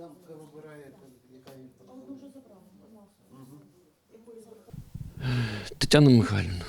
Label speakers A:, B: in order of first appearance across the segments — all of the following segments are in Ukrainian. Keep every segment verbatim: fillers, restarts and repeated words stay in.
A: Там хай вибирає, яка їм подобається.
B: Тетяна Михайлівна,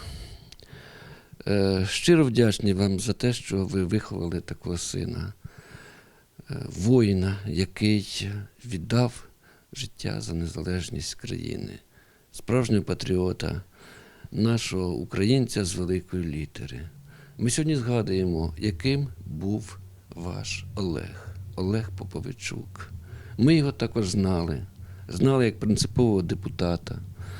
B: е, щиро вдячний вам за те, що ви виховали такого сина, е, воїна, який віддав життя за незалежність країни, справжнього патріота, нашого українця з великої літери. Ми сьогодні згадуємо, яким був ваш Олег, Олег Поповичук. Ми його також знали, знали як принципового депутата.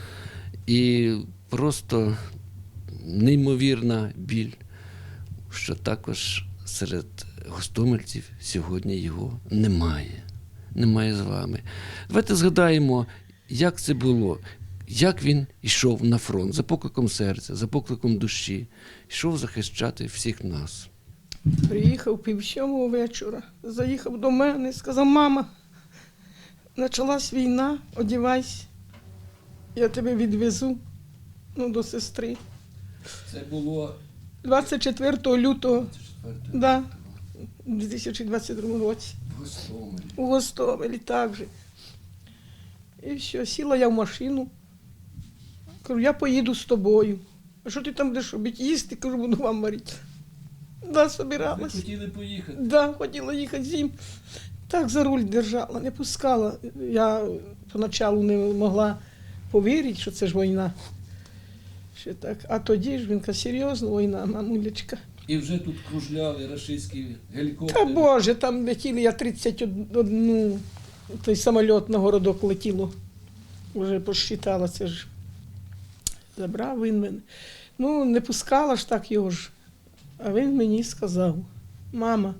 B: І просто неймовірна біль, що також серед гостомельців сьогодні його немає. Немає з вами. Давайте згадаємо, як це було, як він йшов на фронт за покликом серця, за покликом душі, йшов захищати всіх нас.
C: Приїхав пів сьомого вечора, заїхав до мене, сказав: мама, почалась війна, одівайся, я тебе відвезу, ну, до сестри.
B: Це було
C: двадцять четвертого лютого,
B: четвертого
C: да, у дві тисячі двадцять другому році.
B: в Гостомелі.
C: У Гостомелі так же. І все, сіла я в машину. Кажу: я поїду з тобою. А що ти там будеш робити? Їсти? Кажу, буду вам варити. Да,
B: Ви
C: собиралась.
B: хотіли поїхати?
C: Да, хотіла їхати з ним. Так за руль держала, не пускала. Я поначалу не могла повірити, що це ж війна. Що так. А тоді ж він каже: серйозно, війна, мамулечка.
B: І вже тут кружляли рашистські
C: Та
B: гелікоптери.
C: Боже, там летіли, я тридцять один, той самоліт на городок летіло. Вже посчитала, це ж. Забрав він мене. Ну, не пускала ж так його ж. А він мені сказав: мама,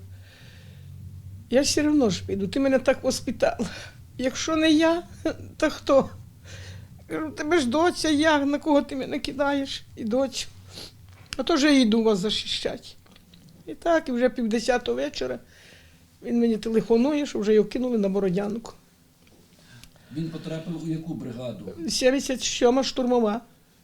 C: я все одно ж піду, ти мене так воспитала. Якщо не я, то хто? Кажу: тебе ж доця, я, на кого ти мене кидаєш? І доцю. А то вже я йду вас захищати. І так, і вже півдесятого вечора він мені телефонує, що вже його кинули на Бородянку.
B: Він потрапив у яку бригаду?
C: сімдесят сьома штурмова.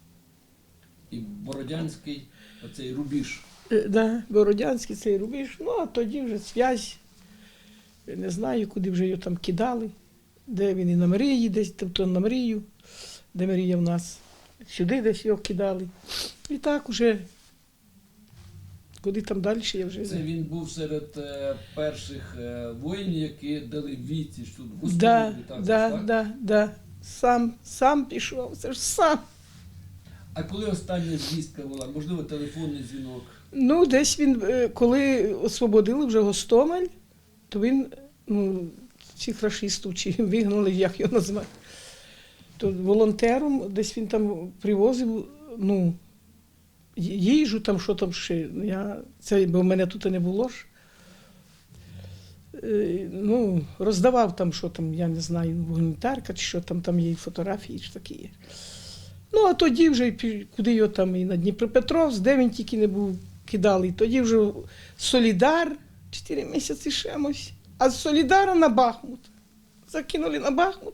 B: І Бородянський, оцей рубіж.
C: Е, Да, Бородянський цей рубіж. Ну, а тоді вже зв'язь. Я не знаю, куди вже його там кидали. Де він, і на Марії десь, тобто на Марію, де Марія в нас. Сюди десь його кидали. І так уже, куди там далі, я вже
B: Це
C: не.
B: він був серед е, перших е, воїнів, які дали відсіч тут в Гостомелі.
C: Да,
B: так,
C: да,
B: так?
C: да, да. Сам, сам пішов, це ж сам.
B: А коли остання звістка була? Можливо, телефонний дзвінок?
C: Ну, десь він, е, коли освободили вже Гостомель, то він, ну, цих рашистів, чи вигнали, як його назвати, то волонтером десь він там привозив, ну, їжу, там, що там ще, я, це, бо в мене тут не було ж. Е, Ну, роздавав там, що там, я не знаю, гуманітарка, чи що там, там є фотографії, чи такі є. Ну, а тоді вже, пі- куди його там, і на Дніпропетровськ, де він тільки не був, кидали. І тоді вже Солідар, чотири місяці шемось, а з Солідара на Бахмут. Закинули на Бахмут.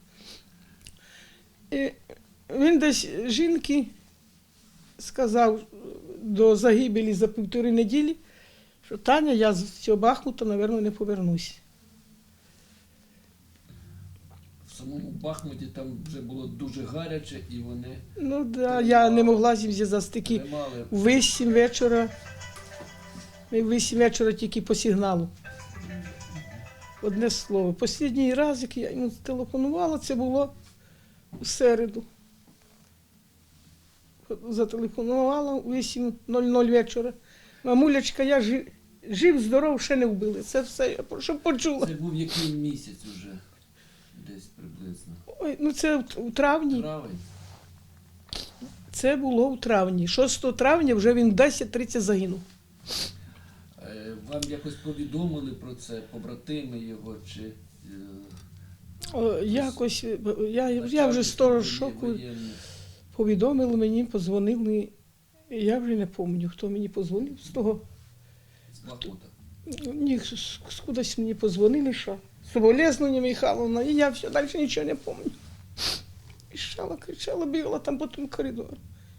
C: І він десь жінки сказав до загибелі за півтори неділі, що: Таня, я з цього Бахмута, мабуть, не повернусь.
B: В самому Бахмуті там вже було дуже гаряче, і вони
C: Ну, да, я не могла з ним зв'язатися. Такі
B: тримали.
C: в вісім вечора, ми в вісім вечора тільки по сигналу. Одне слово. Останній раз, як я йому телефонувала, це було у середу. Зателефонувала у вісім нуль нуль вечора. Мамулечка, я жив, жив, здоров, ще не вбили. Це все, я щоб почула.
B: Це був який місяць уже? Десь приблизно.
C: Ой, ну це в- у травні.
B: Травень?
C: Це було у травні. шостого травня вже він в десять тридцять загинув.
B: Е, Вам якось повідомили про це, побратими його, чи... е,
C: О, якось, е, я, я
B: начальник
C: вже сторож
B: воє-
C: шоку.
B: воєнний?
C: Повідомили мені, подзвонили. Я вже не пам'ятаю, хто мені подзвонив з того.
B: З Бахмута.
C: Ні, з- з- кудись мені подзвонили, що соболезнення Михайловна, і я все, далі нічого не пам'ятаю. Кричала, кричала, бігала там по тому коридору.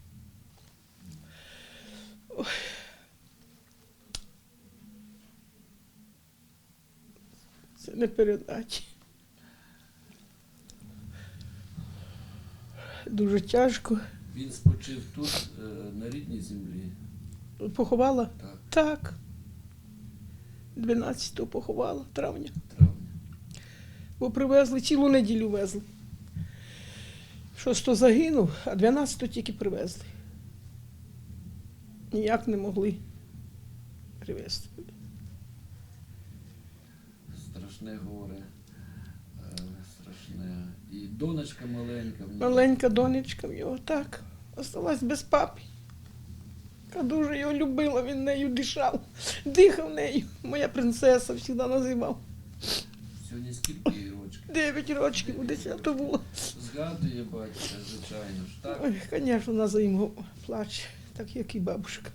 C: Ой. Це не передати. дуже тяжко.
B: Він спочив тут, е, на рідній землі.
C: Поховала?
B: Так,
C: Так. дванадцятого поховала, травня.
B: травня.
C: Бо привезли, цілу неділю везли. Шосто загинув, а дванадцятого тільки привезли. Ніяк не могли привезти.
B: Страшне горе. Е, страшне. І донечка маленька. в нього.
C: Маленька донечка в його так. Осталась без папи. Яка дуже його любила, він нею дишав, дихав нею. Моя принцеса завжди називав.
B: Сьогодні скільки їй рочків?
C: Дев'ять років, десято було.
B: Згадує батька, звичайно ж, так?
C: Ой, звісно, вона за ним плаче, так як і бабушка.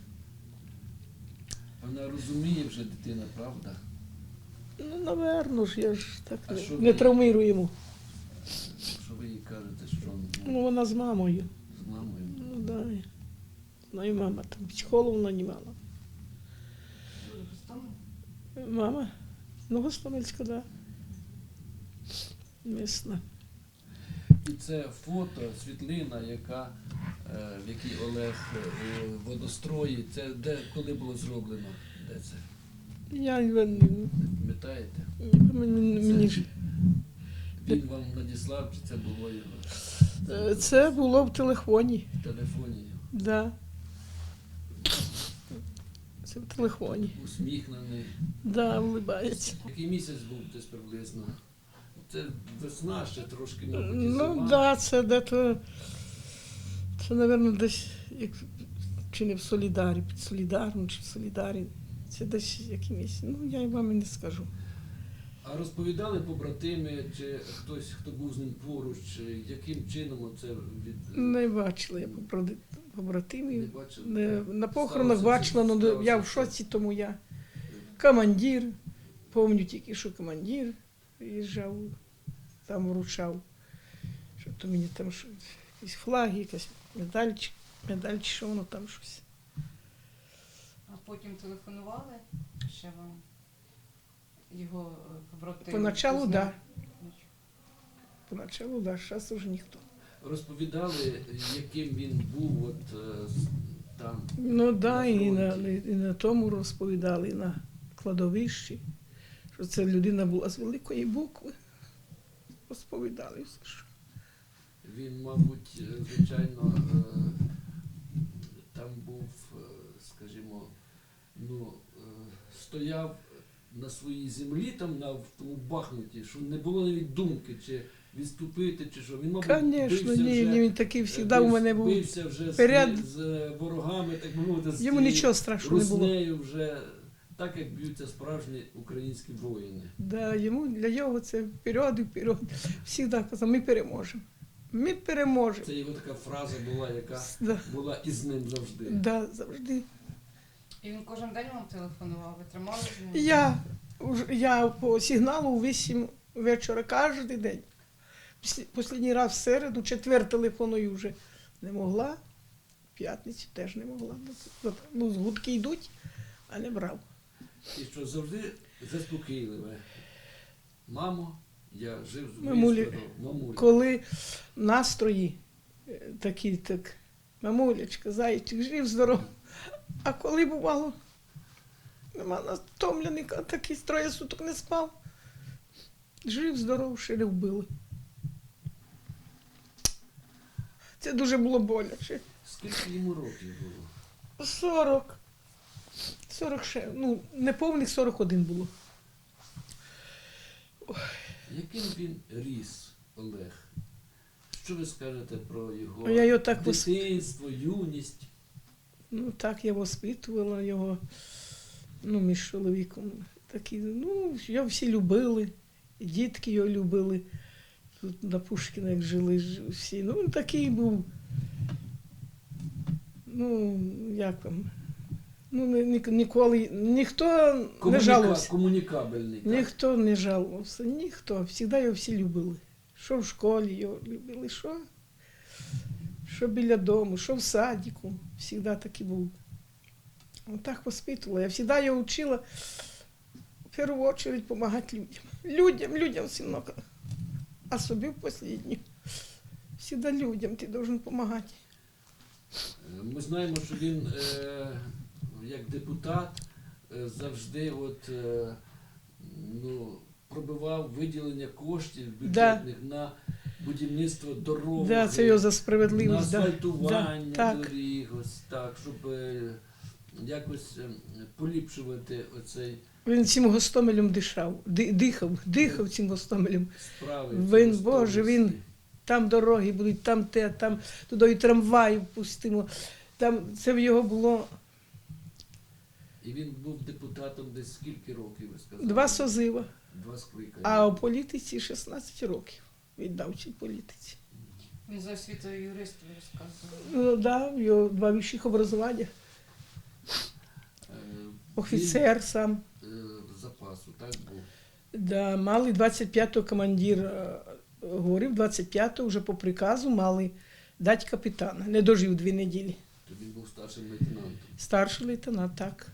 B: Вона розуміє вже дитина, правда?
C: Ну, наверно ж, я ж так
B: А що
C: не,
B: ви?
C: не травмирую йому.
B: Що ви їй кажете, що
C: Ну, вона з мамою.
B: з мамою?
C: Ну, да. Ну, і мама там психологу нанімала. Мама? Ну, Гостомельська, да. Місна.
B: І це фото, світлина, яка, е, в якій Олег е, у водострої. Це де, коли було зроблено? Де це?
C: Я не
B: Не пам'ятаєте?
C: мені, мені ж.
B: Він вам надіслав, чи це було його
C: Е, Це було в телефоні.
B: в телефоні? його?
C: Да. Це в телефоні.
B: Усміхнений.
C: Да, улибається.
B: Який місяць був десь приблизно? Це весна ще трошки, мабуть, і
C: Ну,
B: зима.
C: так, да, це де-то, це, мабуть, десь, як, чи не в Солідарі, під Солідаром, чи в Солідарі. Це десь якимось, ну, я й вам і не скажу.
B: А розповідали побратими, чи хтось, хто був з ним поруч, чи яким чином це від...
C: Не бачила я поброди-
B: Не
C: побратимів.
B: бачили?
C: Не, на похоронах
B: Сталося
C: бачила,
B: це-
C: але
B: сталося
C: я в
B: це.
C: шоці, тому я. Командир, пам'ятаю тільки, що командир приїжджав, там вручав. Що то мені там що, якісь флаги, якась медаль, чи- медаль, чи що воно там щось.
D: А потім телефонували ще вам його е, побратими?
C: Поначалу,
D: Хто
C: так.
D: знав?
C: Да. Поначалу, так, да, зараз уже ніхто.
B: Розповідали, яким він був от е, з- там.
C: Ну так, да,
B: На
C: і на,
B: фронті.
C: і на тому розповідали, і на кладовищі, що це людина була з великої букви. Розповідали все, що.
B: Він, мабуть, е, звичайно, е, там був, е, скажімо, ну, е, стояв на своїй землі, там на в тому Бахмуті, що не було навіть думки, чи відступити, чи що. Він, мабуть,
C: Звісно,
B: бився
C: ні,
B: вже,
C: ні, він такий
B: е,
C: завжди у мене був.
B: бився вже з,
C: перед-
B: з е, ворогами, так би мовити, з
C: Йому
B: тією
C: нічого страшного не було.
B: руснею вже, так як б'ються справжні українські воїни.
C: Да, йому, для нього це вперед і вперед. Всігда казав, ми переможемо. Ми переможемо.
B: Це його така фраза була, яка
C: Да,
B: була із ним завжди.
C: да, завжди.
D: І він кожен день вам телефонував, ви тримали з ним?
C: Я, уж- я по сигналу у вісім вечора кожен день. Після- Останній раз в середу, четвер телефоную вже не могла, в п'ятницю теж не могла. Ну, гудки йдуть, а не брав.
B: І що завжди заспокійливе. Мамо, я жив з
C: Мамулі.
B: Мамулі.
C: Коли настрої е, такі, так, мамулечка, зайчик, жив здоров. А коли бувало, нема нас втомлений, а такий троє суток не спав. Жив здоров, ще не вбили. Це дуже було боляче.
B: Скільки йому років було?
C: Сорок. Сорок ще, ну, неповних сорок один було.
B: Яким він ріс, Олег? Що ви скажете про його
C: Я його так вос-
B: дитинство, юність?
C: Ну, так я воспитувала його, ну, між чоловіком. Такі, ну, його всі любили, і дітки його любили. Тут на Пушкіна, як жили ж всі. Ну, він такий був, ну, як вам, ну, ні- ні- ніколи, ніхто не
B: Комуніка-
C: жалувався.
B: Комунікабельний. так?
C: Ніхто не жалувався, ніхто. Всігда його всі любили. Що в школі його любили, що, що біля дому, що в садіку. Всігда такий був. Отак воспитувала. Я всегда його вчила в першу чергу допомагати людям. Людям, людям сильно. А собі в останню. Всегда людям ти должен допомагати.
B: Е, Ми знаємо, що він е, як депутат е, завжди от, е, ну, пробивав виділення коштів бюджетних на будівництво дорог,
C: Да, це його за
B: на
C: справедливість. Да.
B: асфальтування
C: Да, так.
B: доріг, ось так, щоб е, якось е, поліпшувати оцей
C: Він цим Гостомелем дишав, ди- дихав, дихав цим Гостомелем.
B: справи.
C: Він,
B: ці
C: Боже, він-
B: гостомельські.
C: Там дороги будуть, там те, там туди і трамваї пустимо. Там це в його було
B: І він був депутатом десь скільки років, ви сказали?
C: два созива,
B: Два скликання.
C: а у політиці шістнадцять років віддав цій політиці.
D: Він за освітою юрист, ви розказували.
C: Ну, да, в його два вищих образування.
B: Е,
C: Офіцер сам.
B: Він, е, запасу, так був.
C: Да, мали двадцять п'ятого командир е, говорив, двадцять п'ятого вже по приказу мали дати капітана. Не дожив дві неділі.
B: То він був старшим лейтенантом.
C: Старший лейтенант, так.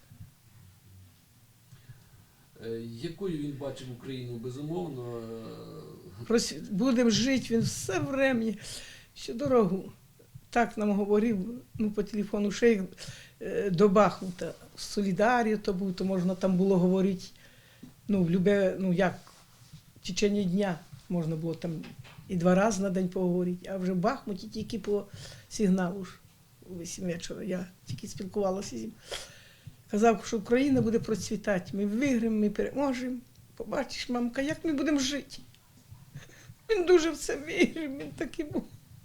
B: Е, Якою він бачив Україну? Безумовно, е,
C: Прос- Будемо жити, він все врем'я, всю дорогу. Так нам говорив, ну, по телефону, ще як е, до Бахмута. В Солідарі то був, то можна там було говорити, ну, в любе, ну, як, в течение дня можна було там і два рази на день поговорити, а вже в Бахмуті тільки по сигналу ж, у вісім вечора, я тільки спілкувалася з ним. Казав, що Україна буде процвітати, ми виграємо, ми переможемо. Побачиш, мамка, як ми будемо жити. Він дуже в це вірив, він такий був.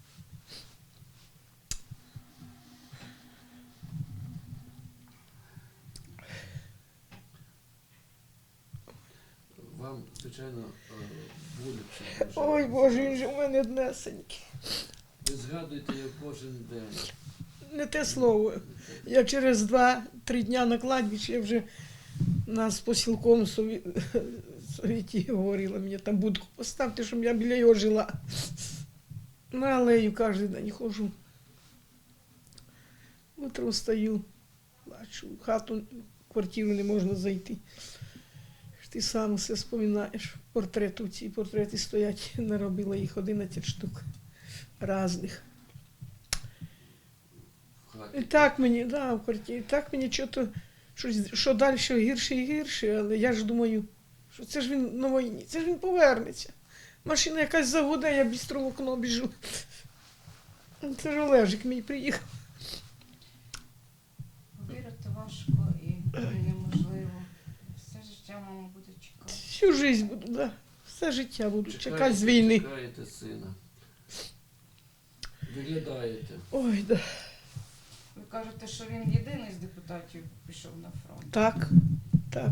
B: вам, звичайно, е, боляче. дуже.
C: Ой, Боже, він же у мене однесенький.
B: Ви згадуєте його кожен день.
C: Не те слово. Я через два-три дня на кладбищі, я вже нас по сілком сові- совіті говорила, мені там будку поставте, щоб я біля його жила. На алею кожен день ходжу. Утром встаю, плачу, в хату, в квартиру не можна зайти. Ж ти сам все споминаєш. Портрети, ці портрети стоять, наробила їх одинадцять штук різних.
B: В хаті.
C: І так мені, да, в квартирі, так мені чого-то, щось, що далі гірше і гірше, але я ж думаю, що це ж він на війні, це ж він повернеться. Машина якась загуде, я бістро в окно біжу. Це ж Олежик мій приїхав.
D: Вірити важко і неможливо. Все життя мама буде чекати.
C: Всю життя буду, да. Все життя буду
B: Чекаєте-
C: чекати з війни.
B: Чекаєте сина. Виглядаєте.
C: Ой, да.
D: Ви кажете, що він єдиний з депутатів пішов на фронт.
C: Так, так.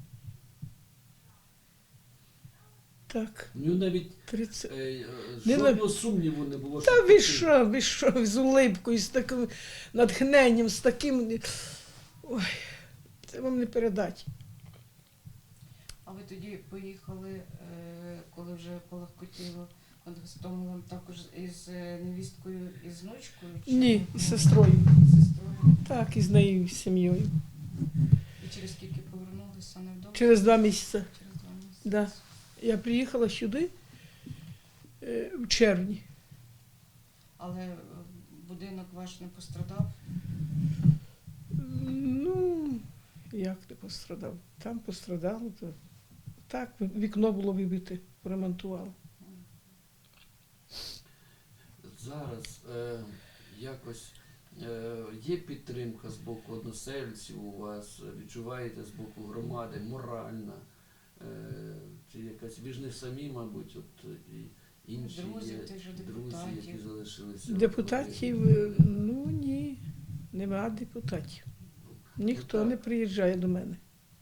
C: Так,
B: У нього навіть
C: тридцять.
B: е, е,
C: Не
B: жодного сумніву не було.
C: Та
B: що
C: ви
B: ти-
C: що, ви що, з улипкою, з таким натхненням, з таким. Ой, це вам не передати.
D: А ви тоді поїхали, е, коли вже полегкотіло над Гостомелем, також із е, невісткою і з внучкою? Чи
C: Ні,
D: ну,
C: з сестрою.
D: з сестрою?
C: Так, і з нею, і з сім'єю.
D: І через скільки повернулися невдовго?
C: Через два місяці.
D: Через два місяці.
C: Да. Я приїхала сюди е, в червні.
D: Але е, будинок ваш не пострадав?
C: Ну, як не пострадав? Там пострадало, то так, вікно було вибите, поремонтували.
B: Зараз е, якось е, є підтримка з боку односельців у вас, відчуваєте з боку громади, моральна, е, чи якась, ви ж не самі, мабуть, от і інші
D: Друзі
B: є
D: тих же
B: друзі,
D: депутатів.
B: які залишилися.
C: Депутатів, е, ну ні, нема депутатів. Ніхто
B: Ну,
C: не
B: так.
C: приїжджає до мене.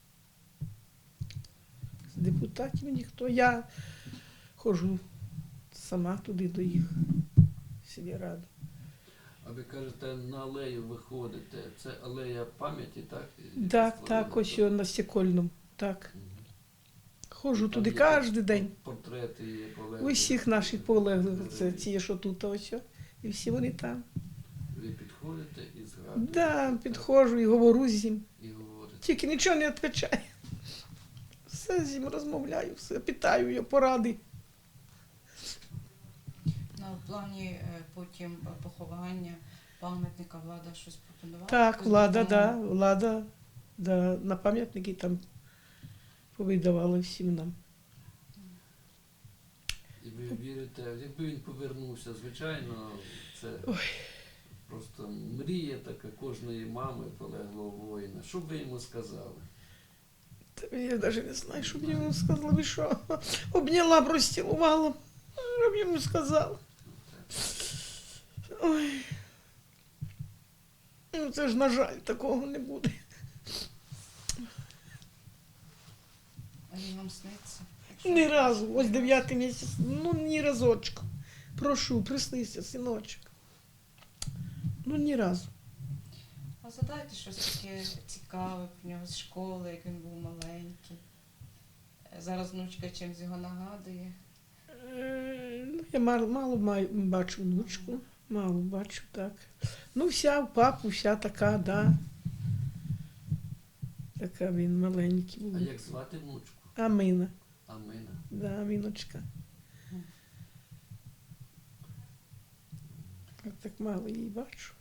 C: З депутатів ніхто. Я ходжу сама туди до їх, в сільраду.
B: А ви кажете, на алею виходите. Це алея пам'яті, так?
C: Так, так, ось
B: його.
C: його на Стекольному. Так. Ходжу
B: Там
C: туди
B: є
C: кожен день.
B: Портрети є полеглих.
C: Усіх наших полеглих, це ті, що тут, ось. о, І всі вони там.
B: Ви підходите і згадуєте.
C: Да,
B: так,
C: підходжу і говорю з ним.
B: І говорите.
C: Тільки нічого не відповідає. Все з ним розмовляю, все питаю його поради.
D: На в плані е, потім поховання пам'ятника влада щось пропонувала?
C: Так,
D: Якусь
C: влада, да,
D: допомогу?
C: влада, да, на пам'ятники там повидавали всім нам.
B: І ви вірите, якби він повернувся, звичайно, це
C: Ой.
B: просто мрія така кожної мами полеглого воїна. Що б ви йому сказали?
C: Та я навіть не знаю, що б я йому сказала, ви що? Обняла б, розцілувала б, що б йому сказала. Ой. Ну це ж, на жаль, такого не буде.
D: А він вам сниться?
C: Ні разу, ось дев'ятий місяць, ну ні разочку. Прошу, приснися, синочок. Ну ні разу.
D: А задайте щось таке цікаве про нього з школи, як він був маленький. Е, Зараз внучка чимось його нагадує.
C: Е, Ну, я мало, мало маю, бачу внучку, мало бачу, так. Ну, вся в папу, вся така, да. Така він маленький був.
B: А як звати внучку?
C: Амина,
B: Амина.
C: да, Аміночка. Я так мало її бачу.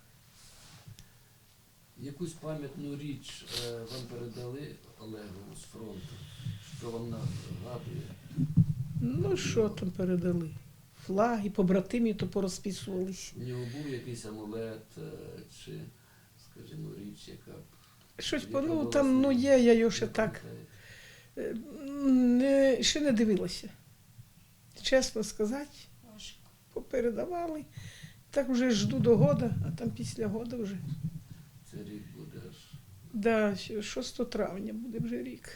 B: Якусь пам'ятну річ е, вам передали Олегу з фронту? Що вам нагадує?
C: Ну, що там передали? Флаги, побратимі то порозписувались.
B: У нього був якийсь амулет е, чи, скажімо, річ, яка б...
C: Щось,
B: яка
C: по- ну,
B: була
C: там,
B: з
C: ну,
B: ним?
C: є, я його ще
B: Не
C: так,
B: пам'ятаєте?
C: е, не, ще не дивилася. Чесно сказати,
D: Важко.
C: попередавали. Так вже жду до года, а там після года вже.
B: Це рік буде аж.
C: Да, ще шостого травня буде вже рік.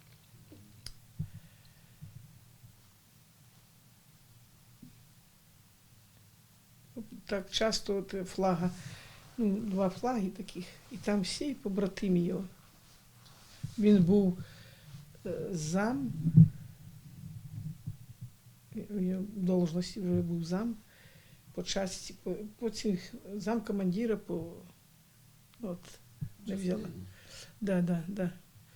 C: Так часто от флага, ну, два флаги таких, і там всі побратимі його. Він був е, зам, я в должності вже був зам, по часті, по, по цих зам командира по от, не взяла.
B: частині.
C: Да, да, да.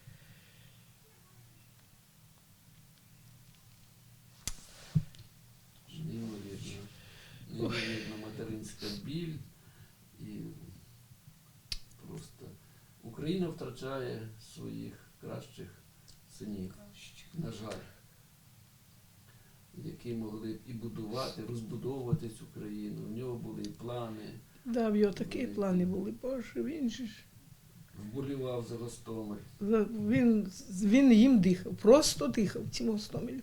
B: Неймовірно. Неймовірна материнська біль і просто Україна втрачає своїх кращих синів, на жаль, які могли б і будувати, розбудовувати цю країну. В нього були і плани,
C: Да, в його такі плани були. Боже, він же ж.
B: вболівав за Гостомель.
C: за- Він, він їм дихав, просто дихав цим Гостомелем.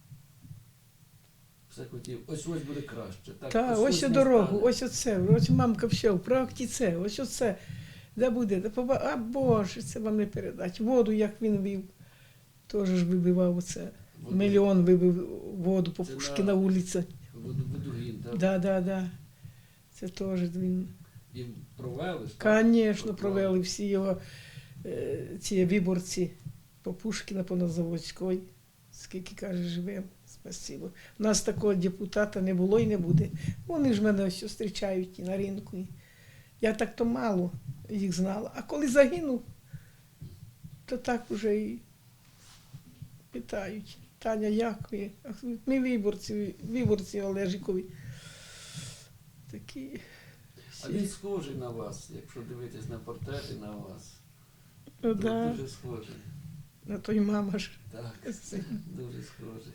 B: Все хотів, ось ось буде краще. Так,
C: Та, ось
B: не
C: о дорогу,
B: стане.
C: ось оце, ось мамка все, про це, ось оце. Де буде, де поба... А Боже, це вам не передати. Воду, як він вів, теж ж вибивав оце.
B: Воду-
C: Мільйон вибив воду по
B: Це
C: Пушкіна
B: на-
C: вулиця.
B: Воду, Водогін, так?
C: Да, да, да. Це теж він.
B: І провели ж, так?
C: Звісно, провели всі його е, ці виборці по Пушкіна, по Нозаводській. Скільки, каже, живемо. Спасибо. У нас такого депутата не було і не буде. Вони ж мене ось зустрічають і на ринку. І я так то мало їх знала. А коли загинув, то так уже і питають. Таня, як ви? А ми виборці, виборці Олежикові. Такі.
B: А він схожий на вас, якщо дивитись на портрети на вас.
C: Ну,
B: Дуже,
C: да,
B: дуже схожий.
C: на той мама ж.
B: Так, дуже схожий.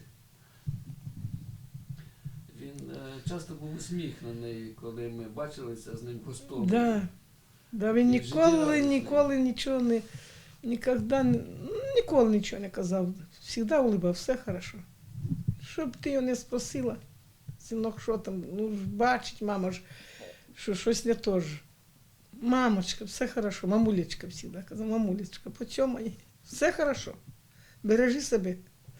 B: Він е, часто був усміхнений, коли ми бачилися з ним в Гостомелі.
C: Да. Да, він
B: І
C: ніколи,
B: життєрадісний.
C: ніколи нічого не, ніколи, ніколи нічого не казав. Всегда улыбав, все хорошо. Щоб ти його не спросила, синок, що там, ну ж бачить мама ж, що щось не то ж. Мамочка, все хорошо, мамулечка всегда казав, мамулечка, потьомай, все хорошо, бережи себе.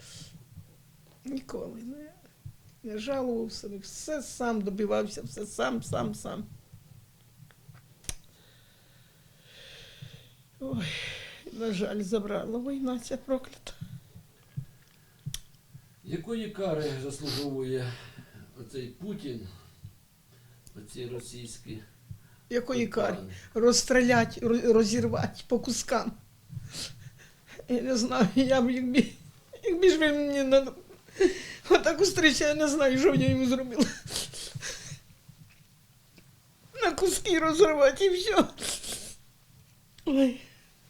C: Ніколи не, не жалував себе, все сам добивався, все сам, сам, сам. Ой, на жаль, забрала війна ця проклята.
B: Якої кари заслуговує оцей Путін, оці російські
C: Якої карі?
B: плани?
C: Розстрілять, ро- розірвати по кускам. Я не знаю, я б якби, якби ж ви мені на отаку зустріч, я не знаю, що б я йому зробила. куски розривати і все. Ой.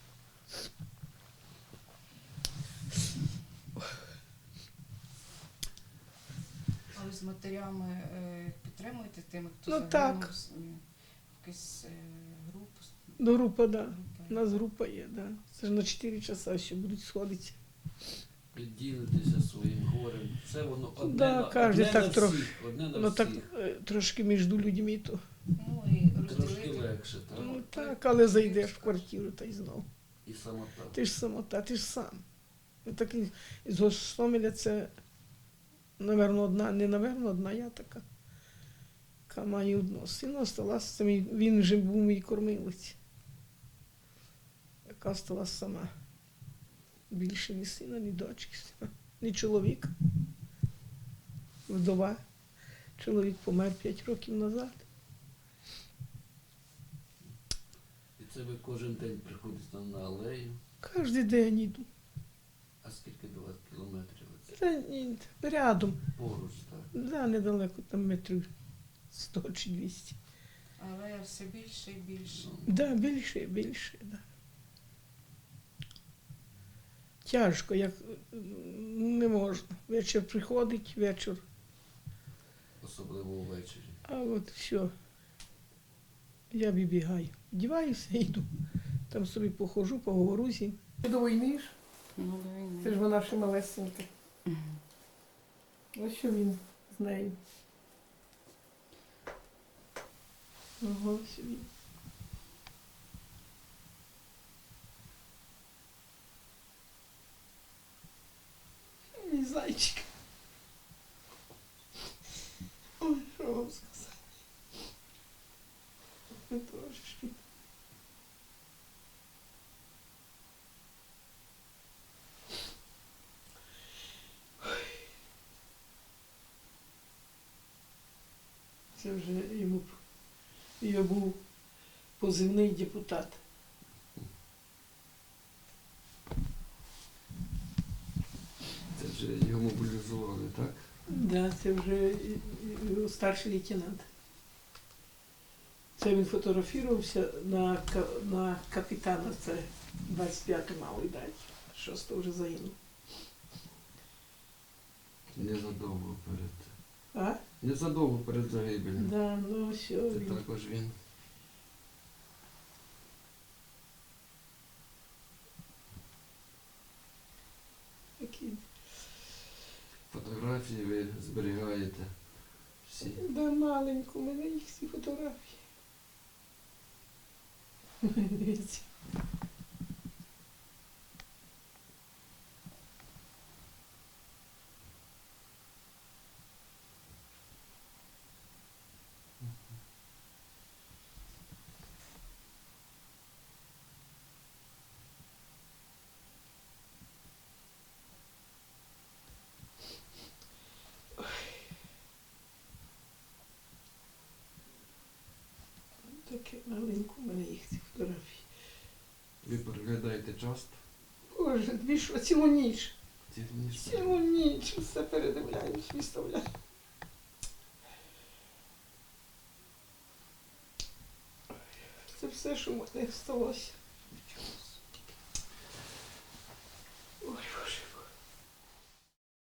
D: А ви з матерями е, підтримуєте тими, хто
C: Ну,
D: загинув?
C: так.
D: З- ні, Якась е, група?
C: До група, да.
D: група?
C: У нас група є, да. Це ж на чотири часа ще будуть сходитися.
B: Ділитися своїм горем. Це воно одне,
C: Да,
B: на,
C: кожен
B: одне
C: так
B: на
C: трохи.
B: всіх. Одне на
C: Ну
B: всіх.
C: так е, трошки між людьми то.
D: Ну і
B: Трошки
D: розділити.
B: легше, так?
C: Ну так, але зайдеш в квартиру та й знов.
B: І самота.
C: Ти ж самота, ти ж сам. І так і- з Гостомеля це, напевно, одна, не напевно, одна я така, яка має одного сина, осталася, він вже був мій кормилець, яка осталась сама. Більше ні сина, ні дочки, ні чоловіка. Вдова. Чоловік помер п'ять років назад.
B: І це ви кожен день приходите на алею.
C: Кожен день йду.
B: А скільки до вас кілометрів? Це
C: Та ні, рядом.
B: поруч, так?
C: Да, недалеко, там метрів сто чи двісті.
D: Але все більше і більше.
C: Да, більше, більше, да. Тяжко, як м, не можна. Вечір приходить, вечір,
B: Особливо ввечері.
C: а от все. Я вибігаю. Вдіваюся і йду. Там собі похожу, поговорю з ним. До війни ж?
D: Ну, до війни.
C: Це ж вона ще малесенька. Ось що він з нею. Ага, ось він. Мій зайчик. Ой, що вам сказати? Ви трошечки. Це вже йому я був позивний депутат.
B: Це вже його мобілізували, так?
C: Да, це вже і- і- і старший лейтенант. Це він фотографувався на, ка- на капітана, це двадцять п'яте мали дати. Шосте вже загинув.
B: Незадовго перед.
C: А?
B: Незадовго перед загибелью.
C: Да, ну все.
B: Це
C: Він.
B: також він.
C: Такий.
B: Фотографії ви зберігаєте всі.
C: Да, маленько, у мене їх всі фотографії. Дивіться. Таке маленько, у мене їх ці фотографії.
B: Ви переглядаєте часто?
C: Боже, дві що, цілу ніч.
B: Ці ніж
C: Цілу ніч все передивляюсь, виставляю. Це все, що в мене сталося. Ой.